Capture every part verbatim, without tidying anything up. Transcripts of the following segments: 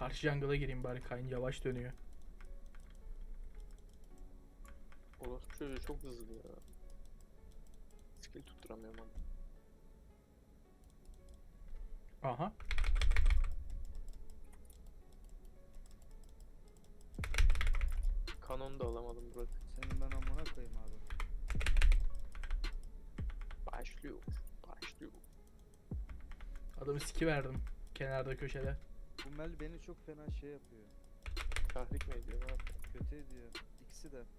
Karşı jungle'a gireyim bari, Kayn yavaş dönüyor. Orospu çocuğu çok hızlı ya. Skill tutturamıyorum ama. Aha. Kanonu da alamadım Burak. Senin ben amına koyayım abi. Başlıyor. Başlıyor. Adamı siki verdim. Kenarda köşede. Bu Mel beni çok fena şey yapıyor. Tahrik mi ediyor? Ne yapıyor? Kötü ediyor. İkisi de.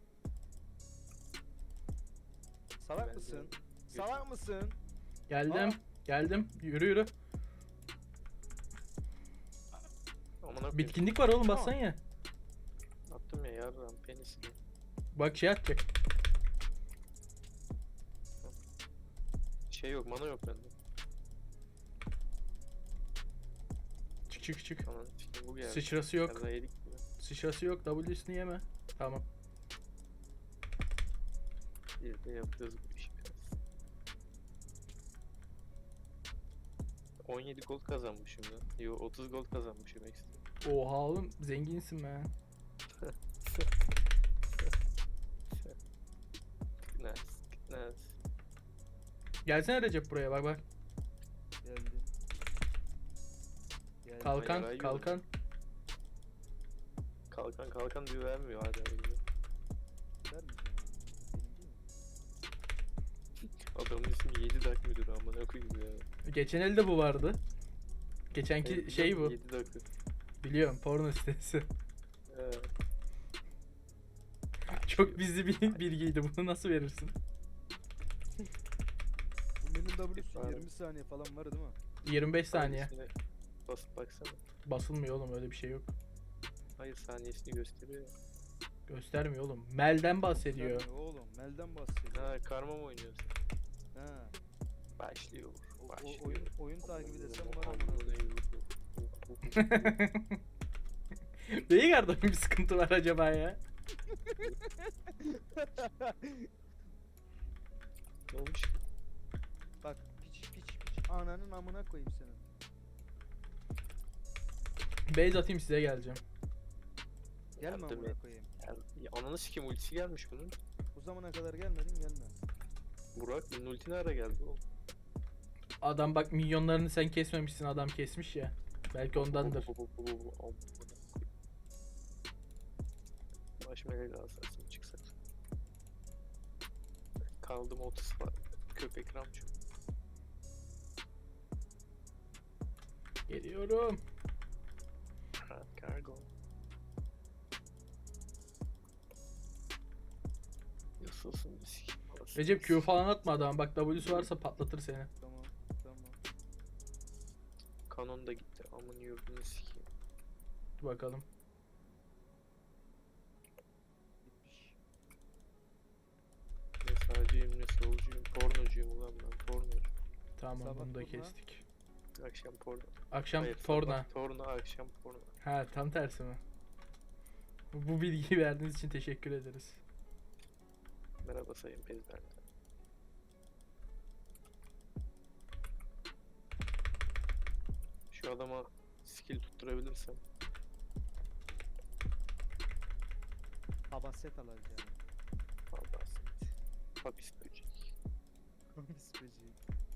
Salak Ben de- mısın? Salak mısın? Geldim. Aa. Geldim. Yürü yürü. Amına koyayım. Bitkinlik var oğlum, bassan ya. Attım ya yarram penisini. Bak şey atacak. Şey yok, mana yok bende. Çık çık çık. Aman işte bu geldi. Sıçrası yok. Sen de yedik mi? Sıçrası yok. W'sini yeme. Tamam. Bir de yapıyoruz bu işi biraz. on yedi gold kazanmışım ya. Yo otuz gold kazanmışım ekstra. Oha oğlum, zenginsin be. Nice, nice. Gelsene Recep buraya, bak bak. Geldim. Geldim. Kalkan yarağı kalkan. Kalkan kalkan diyor, vermiyor hala. bize. Vermeyeceğim abi. Benim değil mi? Adamın ismi yedi dak müdür amına koyayım ya. Geçen elde bu vardı. Geçenki Evet, şey bu. yedi dakika. Biliyorum, porno sitesi. Evet. Çok bizli bir bilgiydi. Bunu nasıl verirsin? Bu Mel'in W'su Abi. yirmi saniye falan var değil mi? yirmi beş saniye. Saniyesine basıp baksana. Basılmıyor oğlum, öyle bir şey yok. Hayır, saniyesini gösteriyor ya. Göstermiyor oğlum. Mel'den bahsediyor. Sen oğlum Mel'den bahsediyor. Ha, karma mı oynuyorsun? Ha. Başlıyor. O, o- Başlıyor. oyun oyun takibi desem var Amına amına koyayım. koyayım. Veigar'da bir sıkıntı var acaba ya? Ne olmuş? Bak piç piç piç ananın amına koyayım senin. Base atayım, size geleceğim. Gelme Yardım amına et. koyayım. Ya, ya ananı sikeyim, ultisi gelmiş bunun. Bu zamana kadar gelmedin gelme. Burak bunun ulti ara geldi oğlum. Adam bak, milyonlarını sen kesmemişsin, adam kesmiş ya. Belki ondandır. Baş meleği alsarsın çıksak. Kaldım otuz var. Köpek ramço. Geliyorum. Ha, kargo. Yasılsın bir sikeyim. Recep Q falan atma adam. Bak W'su varsa patlatır seni. Tamam tamam. Kanon da gitti. Amın yurdunu sikeyim. Dur bakalım. Gitmiş. Ne sağcıyım ne solcuyum. Pornocuyum ulan ben, pornocu. Tamam, Sabah bunu da turna. kestik. Akşam porno. Akşam Hayır, Forna. sabah Torna, akşam porno. Ha, tam tersi mi? Bu bilgiyi verdiğiniz için teşekkür ederiz. Merhaba sayın pezberler. Şu adama skill tutturabilirsem. Habaset alacağım. Vallahi set. Hapis böcek. Hangisi böceği?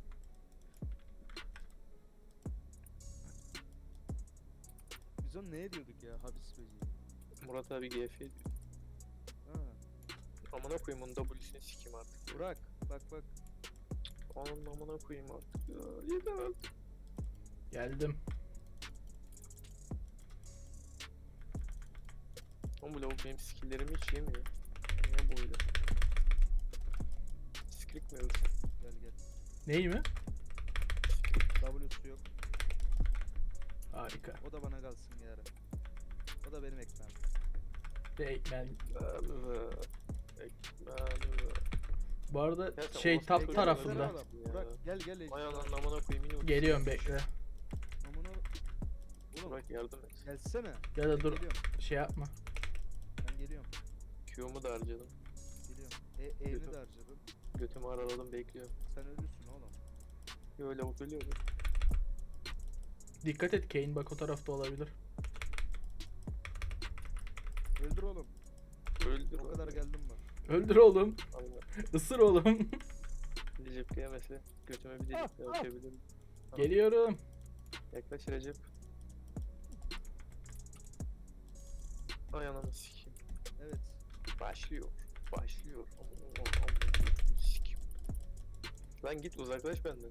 Biz onu ne ediyorduk ya habis böceği? Murat abi G F diyor. Ha. Amına koyayım onun W'sini sikeyim artık. Burak bak bak. Onun amına koyayım artık ya. Yeter artık. Geldim. Oğlum bu lavuk benim skilllerimi hiç yemiyor. Niye böyle? Skrik mi yoksa? Gel gel. Ney mi? W'su yok. Harika. O da bana kalsın yarın. O da benim ekmeğim. Ve ekmen. Ekmeğimi. Bu arada Gerçekten şey orası top ekmek tarafında. versene Oğlum, Ya. Burak gel gel. Vay ananın amına koyayım yine ultisi Geliyorum, gelmiş. bekle. Amına. Oğlum Burak yardım et. gelsene. Ya da Ben dur, Geliyorum. şey yapma. Ben geliyorum. Q'mu da harcadım. Geliyorum. E, E'ni Geliyorum. de harcadım. Götümü araladım, bekliyorum. Sen ölürsün oğlum. Yo lavuk ölüyor mu? Dikkat et, Kayn bak o tarafta olabilir. Öldür oğlum. Öldür. O kadar geldim bak. Öldür oğlum. Aynen. Isır oğlum. Recep yemese götüme bir Ah, delik daha ah. açabilirim. Geliyorum. Yaklaş Recep. Ay ananı sikeyim. Evet. Başlıyor. Başlıyor. Aman aman aman. Sikeyim. Lan git uzaklaş benden.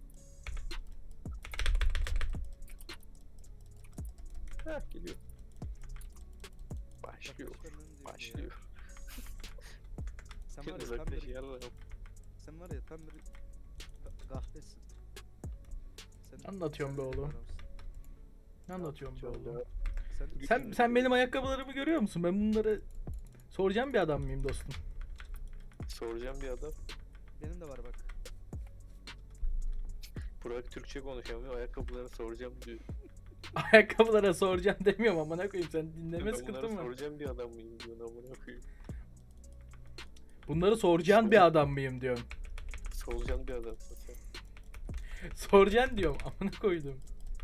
Heh geliyor. Başlıyor. Yaklaş benden diyor ya. Başlıyor. Sen var ya tam Uzaklaş bir, yarra. sen var ya tam bir ka- kahpesin. Sen, Anlatıyorum sen be öyle bir oğlum. adamsın. Ne anlatıyorum be Şu anda oğlum? Sen, Sen sen benim ayakkabılarımı görüyor musun? Ben bunları soracağım bir adam mıyım dostum? soracağım bir adam. benim de var bak. Burak Türkçe konuşamıyor. Ayakkabılarını soracağım diyor. Ayakkabılara soracağım demiyorum amına koyayım, sen dinleme Ben sıkıntın bunları var. soracağım bir adam mıyım diyor amına koyayım. Bunları soracağın bir adam mıyım diyorum. Soracağım bir adamsın sen. Soracaksın diyorum amına koydum.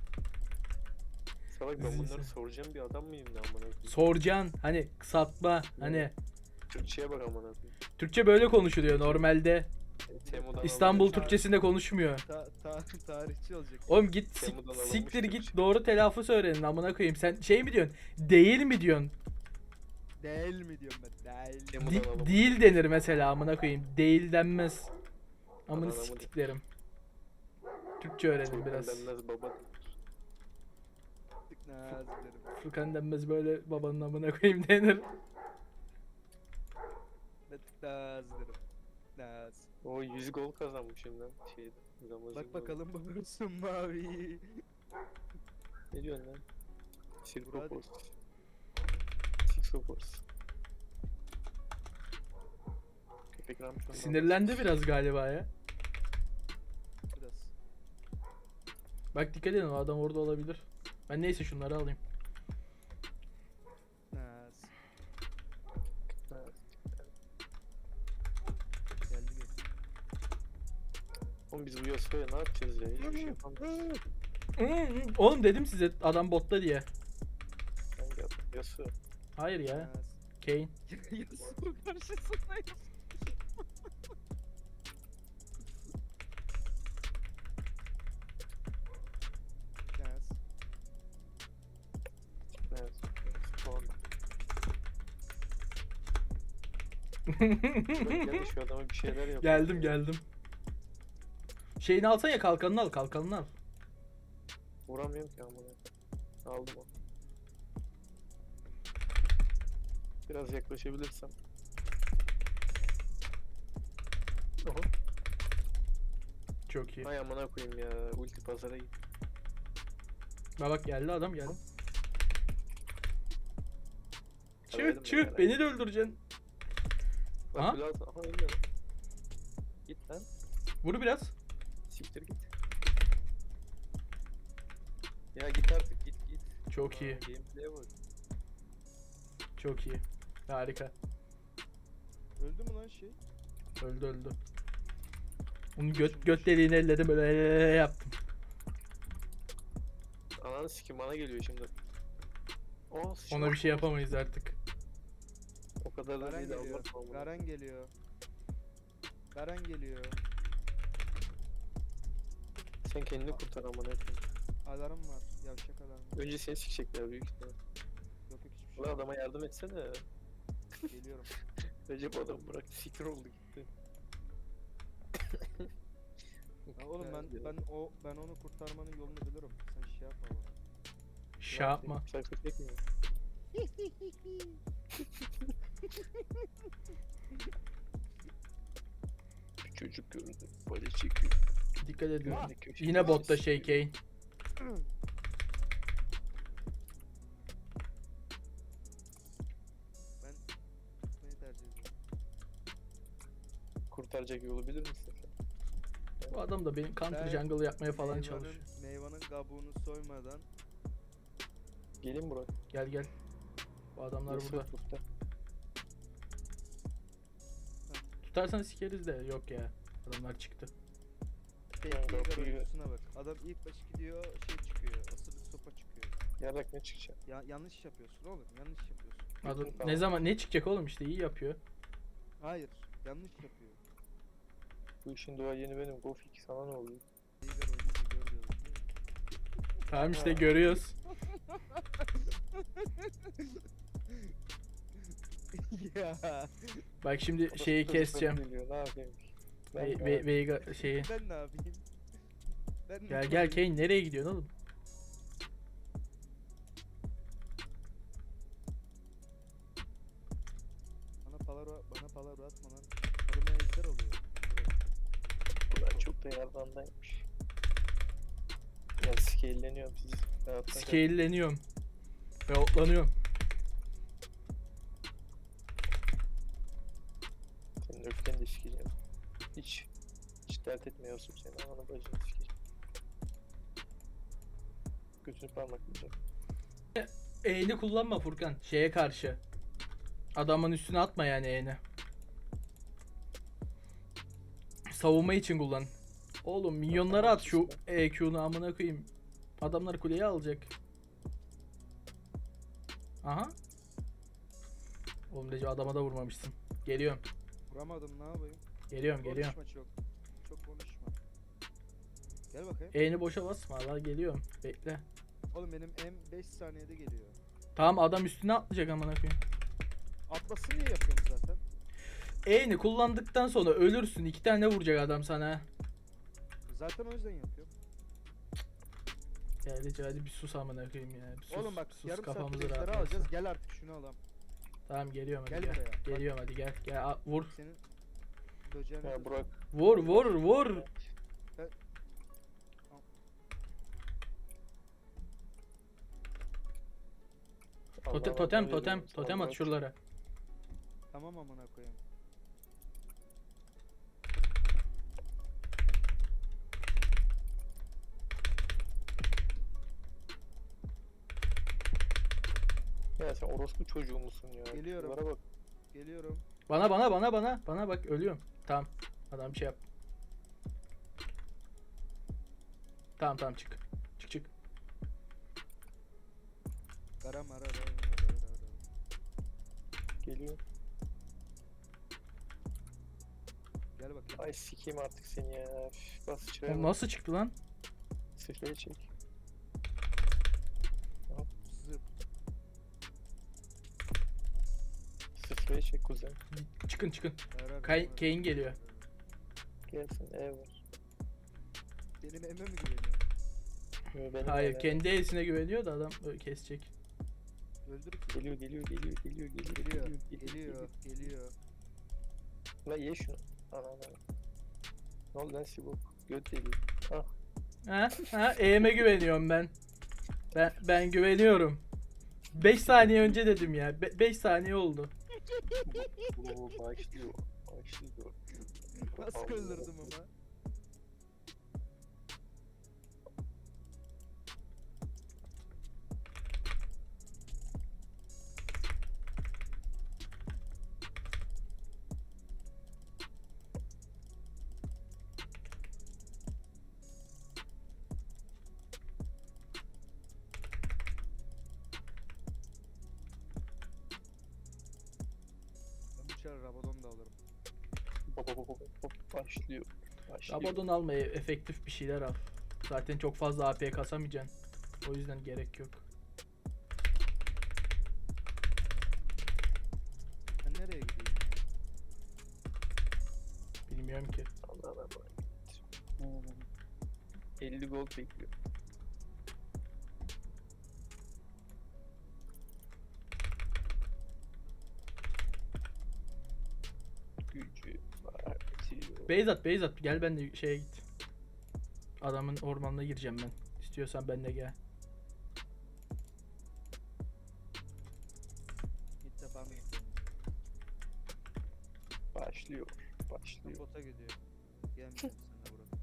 Salak ben Neyse. bunları soracağım bir adam mıyım ne amına koyayım. Soracaksın hani kısaltma hani Türkçeye bak amına koyayım. Türkçe böyle konuşuluyor normalde. Temu'dan İstanbul alınmış- Türkçesinde konuşmuyor. Ta, ta, tarihçi olacak. Oğlum git sik- Temu'dan alınmış siktir git Türkçe. doğru telaffuz öğrenin amına koyayım. Sen şey mi diyorsun? Değil mi diyorsun? Değil mi diyorum ben? Değil. Temu'dan Di- alınmış. değil denir mesela amına koyayım. Değil denmez. Amını Aman, aman. siktiklerim. Türkçe öğrenin Furkan biraz. denmez baba. Tık naziklerim. Furkan denmez böyle babanın amına koyayım denir. Ne tık naziklerim. Naz. O yüz gol kazanmışım lan şeyde. Ramazan Bak bakalım bulursun mavi. Ne diyorsun lan? Hadi. Sirkopos. Sixopos. Köpek Ramazan. Sinirlendi biraz galiba ya. Biraz. Bak dikkat edin, o adam orada olabilir. Ben neyse şunları alayım. Naz. Evet. Geldi gel. Oğlum biz bu Yasuo'ya ne yapacağız ya? Hiçbir şey yapamayız. Hmm, Oğlum dedim size adam botta diye. Ben geldim. Yasuo. Hayır ya. Naz. Kane. Yasuo karşısında Yasuo. Naz. Evet. Puan. Gel şu adama bir şeyler yap. Geldim geldim. Şeyini alsan ya, kalkanını al, kalkanını al. Vuramıyorum ki amına. Aldım onu. Biraz yaklaşabilirsem. Oha. Çok iyi. Hay amına koyayım ya. Ulti pazara git. Bak bak geldi adam geldi. Severim Çık çık, ben beni de öldüreceksin. Bak Aha. biraz aha ölmedi. Git lan. Vur biraz. Siktir git. Ya git artık git git. Çok Aa, iyi. Gameplay'e bak. Çok iyi. Harika. Öldü mü lan şey? Öldü öldü. Onun göt, göt deliğini elledim böyle yaptım. Ananı sikim bana geliyor şimdi. Aa, Ona bir şey yapamayız artık. O kadar da Garen değil geliyor. Allah Allah. Garen geliyor. Garen geliyor. Sen kendini kurtar amına koyayım. Alarm var. Yavşak alarm var. Önce seni sikecekler büyük ihtimal. Yok yok hiçbir şey Ulan yok. adama yardım etsene. Geliyorum. Recep adam bıraktı sikir oldu gitti. Ya oğlum ben ben o ben onu kurtarmanın yolunu bilirim. Sen şey yapma bana. Şey yapma. Sayfa çekmiyor. Bir çocuk gördüm. Böyle çekiyor. Dikkat edin. Gördü köşede Yine botta böyle şey sikiyor. Kane. Ben tutmayı tercih ediyorum. Kurtaracak yolu bilir misin sen? Bu adam da benim counter Ben jungle yapmaya falan Meyvanın- çalışıyor. Meyvanın kabuğunu soymadan Gelin Burak. Gel gel. Bu adamlar Yusuf burada. kurtar. Tutarsan sikeriz de yok ya. Adamlar çıktı. tekniği kapıyı- oyuncusuna bak. Adam ilk baş gidiyor şey çıkıyor. Asılı sopa çıkıyor. Yarrak ne çıkacak? Ya yanlış yapıyorsun oğlum. Yanlış yapıyorsun. Adam, Tamam. ne zaman ne çıkacak oğlum, işte iyi yapıyor. Hayır. Yanlış yapıyor. Bu işin duayeni benim. Gofik sana ne oluyor? Veigar oynayınca gör diyorum. değil mi? Tamam işte Ha. görüyoruz. Ya. Bak şimdi Orası şeyi çocukları keseceğim. geliyor, ne yapayım? Ben Ve, de- ve, Veiga şeyi. Ben ne yapayım? Ben ne Gel gel yapayım? Kane, nereye gidiyorsun oğlum? Bana palavra, bana palavra atma lan. Adama ejder oluyor. Bunlar çok da yardandaymış. Ya scale'leniyorum siz. Rahattan kal- Scale'leniyorum. Ve otlanıyorum. Senin öfkeni de sikeceğim. Hiç hiç dert etmiyorsun seni. Ananı bacını sikeceğim. Götünü parmaklayacağım. E'ni kullanma Furkan. Şeye karşı. Adamın üstüne atma yani E'ni. Savunma için kullan. Oğlum minyonları at şu E Q'nu amına koyayım. Adamlar kuleyi alacak. Aha. Oğlum Recep adama da vurmamışsın. Geliyorum. Vuramadım ne yapayım? Geliyorum geliyorum. Konuşma çok. Çok konuşma. Gel bakayım. E'ni boşa basma la, geliyorum. Bekle. Oğlum benim M beş saniyede geliyor. Tamam adam üstüne atlayacak amına koyayım. Atlasın diye yapıyorum zaten. E'ni kullandıktan sonra ölürsün. İki tane vuracak adam sana. Zaten o yüzden yapıyorum. Ya Recep hadi bir sus amına koyayım ya. Bir sus, Oğlum bak sus, yarım saat kafamızı ejderi rahatlatsın. alacağız. Gel artık şunu alalım. Tamam geliyorum hadi Gel gel. buraya. Bak. Geliyorum hadi gel. Gel a- vur. Senin böceğine Ya Burak. Vur vur vur. Totem Allah'ım totem ne totem veriyorum, totem sağ at ol. şuralara. Tamam amına koyayım. Ya sen orospu çocuğu musun ya? Geliyorum. Bunlara bak. Geliyorum. Bana bana bana bana bana bak ölüyorum. Tamam. Adam bir şey yap. Tamam tamam çık. Çık çık. Kara mara ra ra ra ra ra. Geliyor. Gel bakayım. Ay sikeyim artık seni ya. Üf, bas çıraya Oğlum bak. nasıl çıktı lan? Sıfıraya çek. Zıp. Sıfıraya çek kuzen. Çıkın çıkın. Ra ra ra Kay- ra Kane ra geliyor. ra ra. Gelsin ev var. Benim emme mi güveniyor? Yo, benim Hayır evim. kendi e'sine güveniyor da adam ö- kesecek. Öldür ki. Geliyor geliyor geliyor geliyor geliyor Geliyor. geliyor Geliyor. Geliyor. La ye şunu. Ana ana. Ne oldu lan Sibop? Göt deli. Ah. Ha ha e'me güveniyorum ben. Ben ben güveniyorum. beş saniye önce dedim ya. beş saniye oldu. Bu başlıyor. Başlıyor. Nasıl öldürdüm ama? Ben bu çare Rabadon da alırım. Hop hop hop hop hop. Başlıyor. Başlıyor. Rabadon alma, e- efektif bir şeyler al. Zaten çok fazla A P kasamayacaksın. O yüzden gerek yok. Ben nereye gideyim ya? Bilmiyorum ki. Allah Allah. Hmm. elli gol bekliyor. Gücü artıyor. Beyzat Beyzat gel ben de şeye git. Adamın ormanına gireceğim ben. İstiyorsan ben de gel. İlk defa mı gittim? Başlıyor. Ben Başlıyor. bota gidiyor. Gelmeyeceğim seninle Burak.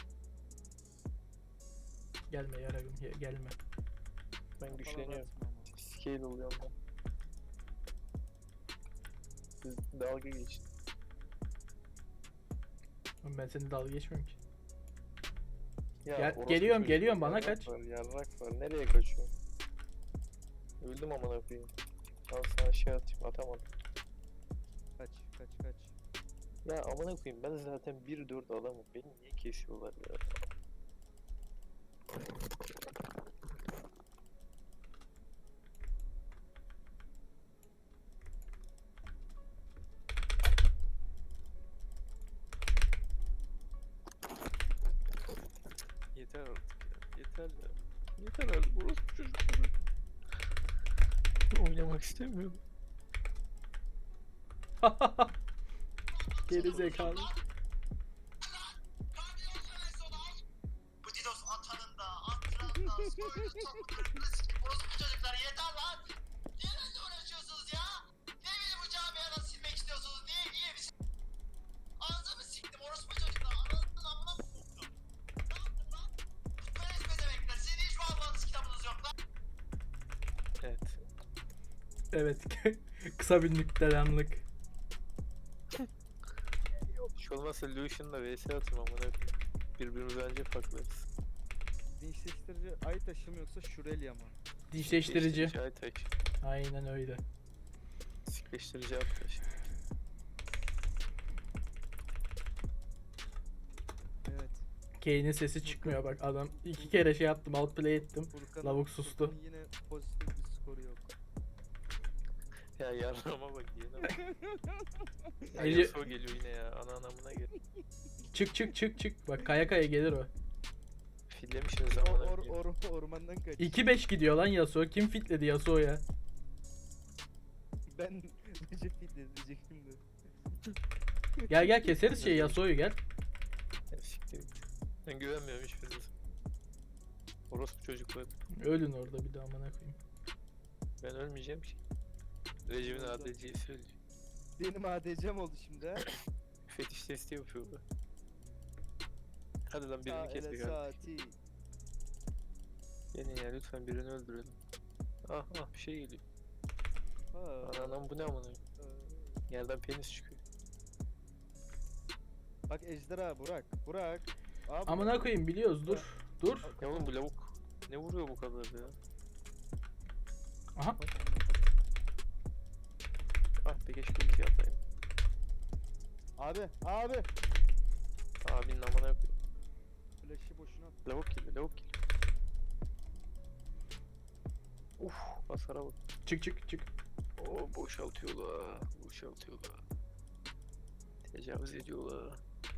Gelme yaragım ge- gelme. Ben güçleniyorum. Palavra atma ama. Scale oluyorum ben. Siz dalga geçin. Oğlum ben seninle dalga geçmiyorum ki. Ya Gel- orospu geliyorum, çocuğu, geliyorum, bana yarrak kaç. Var, yarrak var. Nereye kaçıyorsun? Öldüm amına koyayım. Al sana şey atayım, atamadım. Kaç kaç kaç. Ya amına koyayım, ben zaten bir dört adamım. Beni niye kesiyorlar ya? Yeter artık ya. Yeter ya. Yeter artık. Burası çocukları. Oynamak istemiyorum. Geri zekalı. Bu Didos atanın da, attıran da, soyunu topludur, sikim orospu çocuklar yeter lan! Niye benimle uğraşıyorsunuz ya? Niye beni bu camiadan silmek istiyorsunuz? Niye, niye bir Ağzımı siktim orospu çocuklar, anasının amına mı soktum? Ne yaptın lan? Putperest bezemekler, sizin hiç mi Allah'ınız kitabınız yok lan? Evet. Evet. Kısa bir nüktelenlik. Hiç olmazsa Lucian'la V S atayım amına koyayım. Birbirimize önce paklarız. Dinçleştirici ay taşı mı yoksa Şurelya mı? Dişleştirici. Ay taş. Aynen öyle. Sikleştirici at taş. Evet. Kane'in sesi çıkmıyor bak adam. iki kere şey yaptım, outplay ettim. Furkan'ın- Lavuk sustu. Furkan'ın yine pozitif bir skoru yok. Ya yarrama bak yine bak. Ya Ece- Yasuo geliyor yine ya. Ana anamına gel. Çık çık çık çık. Bak kaya kaya gelir o. Fillemişsiniz Or, amına or, koyayım. or, ormandan kaç. iki beş gidiyor lan Yasuo. Kim fitledi Yasuo'ya? Ben Recep Fitness diyecektim de. Gel gel keseriz şey Yasuo'yu gel. Ya siktir git. Ben güvenmiyorum hiçbirinize. Orospu çocukları. Ölün orada bir daha amına koyayım. Ben ölmeyeceğim ki. Recep'in A D C'yi söyleyeceğim. Benim A D C'm oldu şimdi ha. Fetiş testi yapıyorlar. Hadi lan Sağ birini kes ele bir kardeş. saati. Gelin ya lütfen birini öldürelim. Ah ah bir şey geliyor. Ha. Anam bu ne amına koyayım? Aa. Yerden penis çıkıyor. Bak ejderha Burak. Burak. Abi, Amına koyayım biliyoruz dur. Dur. Ya oğlum bu lavuk ne vuruyor bu kadar ya? Aha. Ah be keşke ulti yapayım. Abi, abi. Abinin amına koyayım. Flash'ı boşuna at. Lavuk geliyor lavuk geliyor. Uf hasara bak. Çık çık çık. Oo boşaltıyorlar. Boşaltıyorlar. Tecavüz ediyorlar.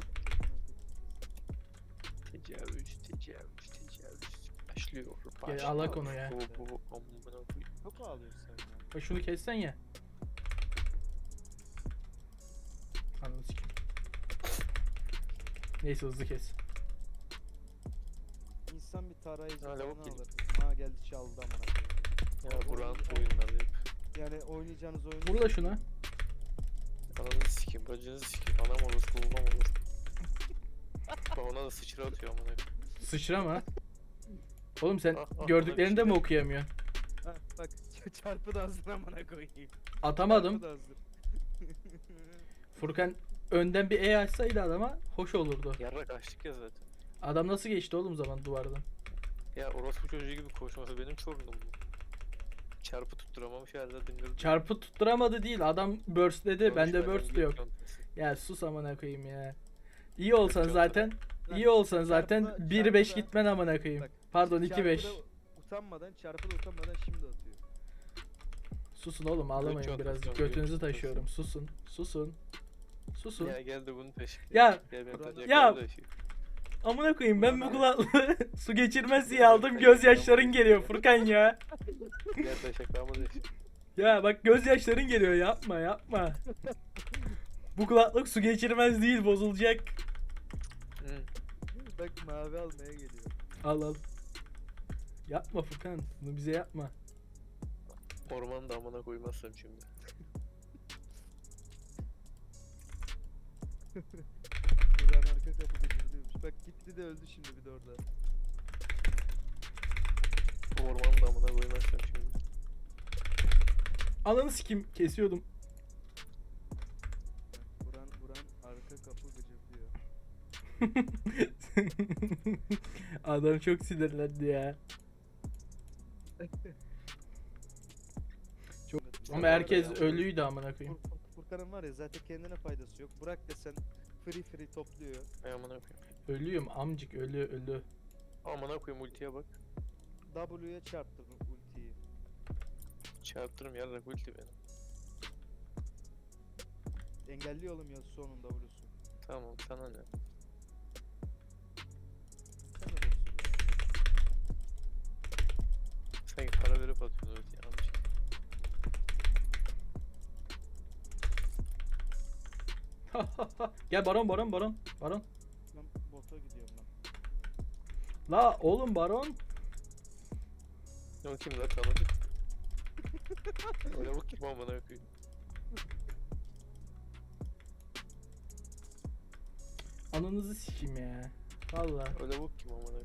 Tecavüz, tecavüz, tecavüz. Başlıyor. Gel alak onu ya. Bu bu bu amına koyayım. Çok mu ağlıyorsun sen ya? Bak şunu kessen ya. Ananı sikeyim. Neyse hızlı kes. İnsan bir tarayıcı Ha, falan lavuk geliyor. alır. Ha geldi çaldı amına koyayım. Ya Burak'ın oyunları hep. Yani oynayacağınız oyunu... Vur da şuna. Ananızı sikeyim, bacınızı sikeyim. Anam orası, babam orası. Bak ona da sıçra atıyor amına koyayım. Sıçrama. Oğlum sen Ah, ah, gördüklerini de ona bir mi şey- okuyamıyorsun? Ha, bak çarpı da hazır amına koyayım. Atamadım. Çarpı da hazır. Furkan önden bir E açsaydı adama hoş olurdu. Yarrak açtık ya zaten. Adam nasıl geçti oğlum zaman duvardan? Ya orospu çocuğu gibi koşması benim sorunum bu. Çarpı tutturamamış herhalde dinledim. Çarpı tutturamadı değil. Adam burst'ledi. Bende burst de yok. Çantası. Ya sus amına koyayım ya. İyi olsan Çarpı- zaten Lan, iyi olsan zaten çarpı- bir beş çarpı da- gitmen amına koyayım. Bak, Pardon iki Çarpı beş. da Utanmadan, çarpı da utanmadan şimdi atıyor. Susun oğlum ağlamayın çantası, birazcık. göt Götünüzü çantası. taşıyorum. Susun. Susun. Susun. Ya gel de bunu taşı. Ya, Gel ben Burak- taşı. ya. Gel taşı. Amına koyayım ben bu Ulan kulaklığı su geçirmez diye aldım. Gözyaşların geliyor Furkan ya. Gel taşı. Klamı taşı. Ya bak gözyaşların geliyor yapma yapma. Bu kulaklık su geçirmez değil bozulacak. Hı. Bak mavi almaya geliyor. Al al. Yapma Furkan. Bunu bize yapma. Ormanı da amına koymazsam şimdi. Buran arka kapı gıcırdıyormuş. Bak gitti de öldü şimdi bir de orada. Bu ormanı da amına koymazsam şimdi. Ananı sikim kesiyordum. Bak, Buran, Buran arka kapı gıcırdıyor. Adam çok sinirlendi ya. Ama herkes ölüydü amına koyayım. Fur- Fur- Furkan'ın var ya zaten kendine faydası yok. Bırak desen free free topluyor. Ay amına koyayım. Ölüyüm amcık, ölü ölü. Amına koyayım ultiye bak. W'ye çarptırdım ultiyi. Çarptırım yarrak ulti benim. Engelliyor oğlum ya sonun W'su. Tamam sana ne? Sen de boksun ya. Sanki para verip atıyorsun ultiye amcık. Gel baron baron baron. Baron. Ben bota gidiyorum ben. La oğlum baron. O kim lan tanıdık? Öyle bak kim amına koyayım. Ananızı sikeyim ya. Valla. Öyle bak kim amına koyayım.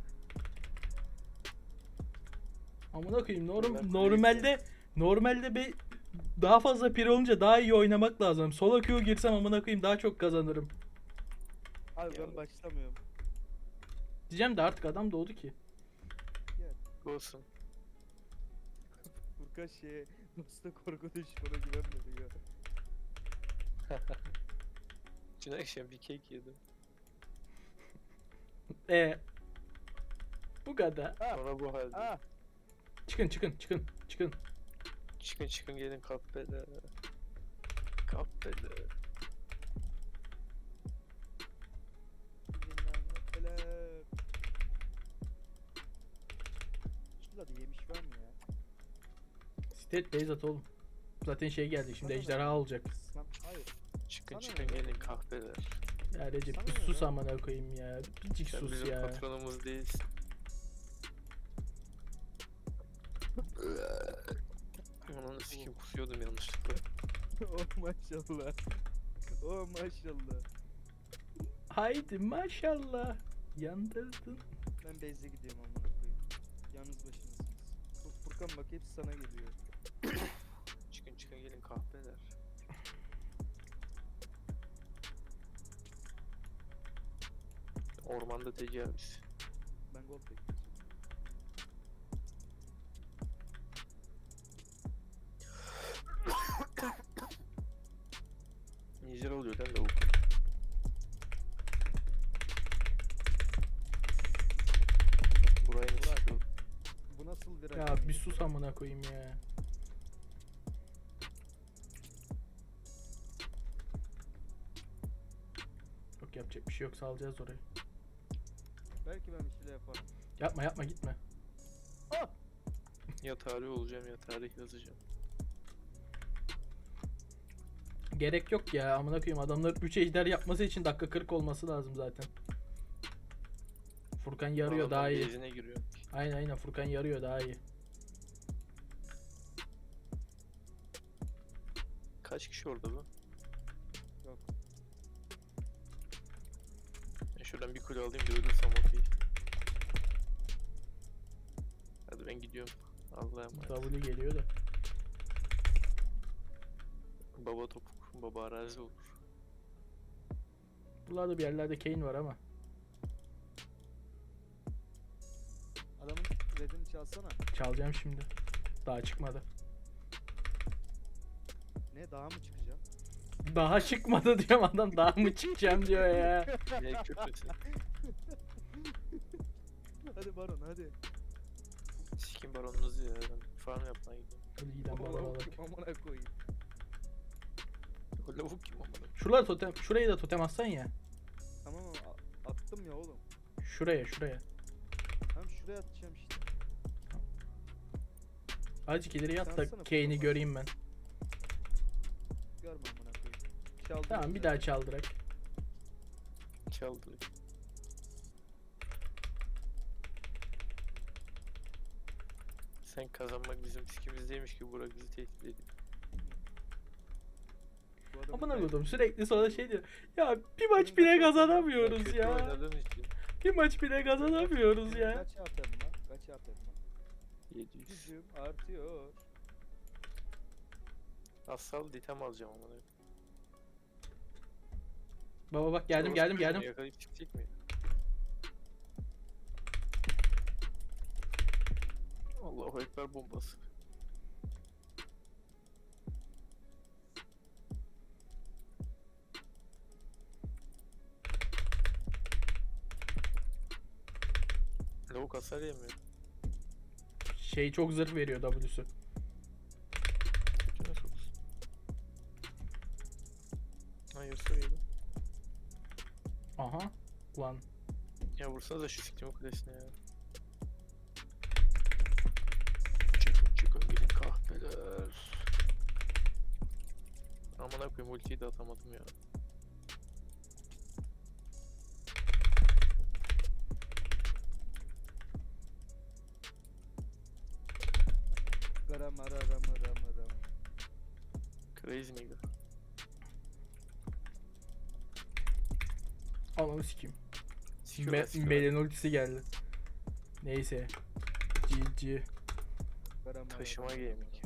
Amına koyayım norm Ben normalde normalde be daha fazla pir olunca daha iyi oynamak lazım. Solo queue girsem amına koyayım daha çok kazanırım. Abi Ya. ben başlamıyorum. Diyeceğim de artık adam doğdu ki. Olsun. Furkan şeye dosta korku düşmana güvenmedi ya. Dün akşam bir kek yedim. E bu kadar. Ah, Sonra bu halde. ah. Çıkın çıkın çıkın çıkın. Çıkın çıkın gelin kahvede. Kahvede. Bilmem neler. Şurada da yemiş var mı ya? State base at oğlum. Zaten şey geldi şimdi Sana ne? ejderha olacak. Sen, hayır. Çıkın Sana çıkın ne? gelin kahveler. Ya Recep Sana bir ne sus lan? amına koyayım ya. Biricik Sen sus bizim ya. patronumuz değilsin. Ananı sikeyim kusuyordum yanlışlıkla. Oh maşallah. Oh maşallah. Haydi maşallah. Yandırdın. Ben base'e gidiyorum amına koyayım. Yalnız başınasınız. Fur- Furkan bak hepsi sana geliyor. Çıkın çıkın gelin kahveler. Ormanda tecavüz. Ben gold bekliyorum. Nijer oluyor lan lavuk. Burayı mı Burak. sıkıyor? Bu nasıl bir Ya rakam bir sus amına koyayım ya. Yok yapacak bir şey yok salacağız orayı. Belki ben bir şeyler yaparım. Yapma yapma gitme. Ah! Ya tarih olacağım ya tarih yazacağım. Gerek yok ya amına koyayım adamların üç ejder yapması için dakika kırk olması lazım zaten. Furkan yarıyor daha iyi. Bezine giriyor. Aynen aynen Furkan yarıyor daha iyi. Kaç kişi orada bu? Yok. Ben şuradan bir kule alayım da ölürsem okey. Hadi ben gidiyorum. Allah'a emanet. W geliyor da. Baba topuk, baba arazi olur. Buralarda bir yerlerde Kane var ama. Adamın redini çalsana. Çalacağım şimdi. Daha çıkmadı. Ne daha mı çıkacağım? Daha çıkmadı diyorum adam daha mı çıkacağım diyor ya. Ne köprüsü? Hadi Baron hadi. Sikim baronunuzu ya. Ben farm yapmaya gidiyorum. Ölüden Amına bana bak. koyayım, amına koyayım. O lavuk kim amına? Şuralar totem, şurayı da totem atsan ya. Tamam ama a- attım ya oğlum. Şuraya şuraya. Hem şuraya atacağım işte. Azıcık ileri yat da Çalsana Kane'i Furkan. göreyim ben. Görme amına koyayım. Çaldım. Tamam bir güzel. daha çaldırak. Çaldı. Sen kazanmak bizim sikimizdeymiş ki Burak bizi tehdit ediyor. Bu adamın Amına kay- koydum sürekli sonra şey diyor. Ya bir maç Benim bile de çok- kazanamıyoruz Kötü ya. oynadığım için Bir maç bile kazanamıyoruz ya. Kaç atarım lan? Kaç atarım lan? yedi yüz. Gücüm artıyor. Asal ditem alacağım amına. Baba bak geldim Orospu geldim çocuğunu geldim. Yakalayıp çıkacak mı? Allahu Ekber bombası. Tavuk hasar yemiyor. Şey çok zırh veriyor W'su. Götüne soksun. Ha Yasuo yedi. Aha. Lan. Ya vursana da şu siktim kulesine ya. Çıkın çıkın gidin kahpeler. Amına koyayım ultiyi de atamadım ya. Garam ara ram ram ram. Crazy nigga. Ananı sikeyim. Sikiyorlar, Me sikiyorlar. Mel'in ultisi geldi. Neyse. G G. Garam ara Taşıma ram gaming. ram.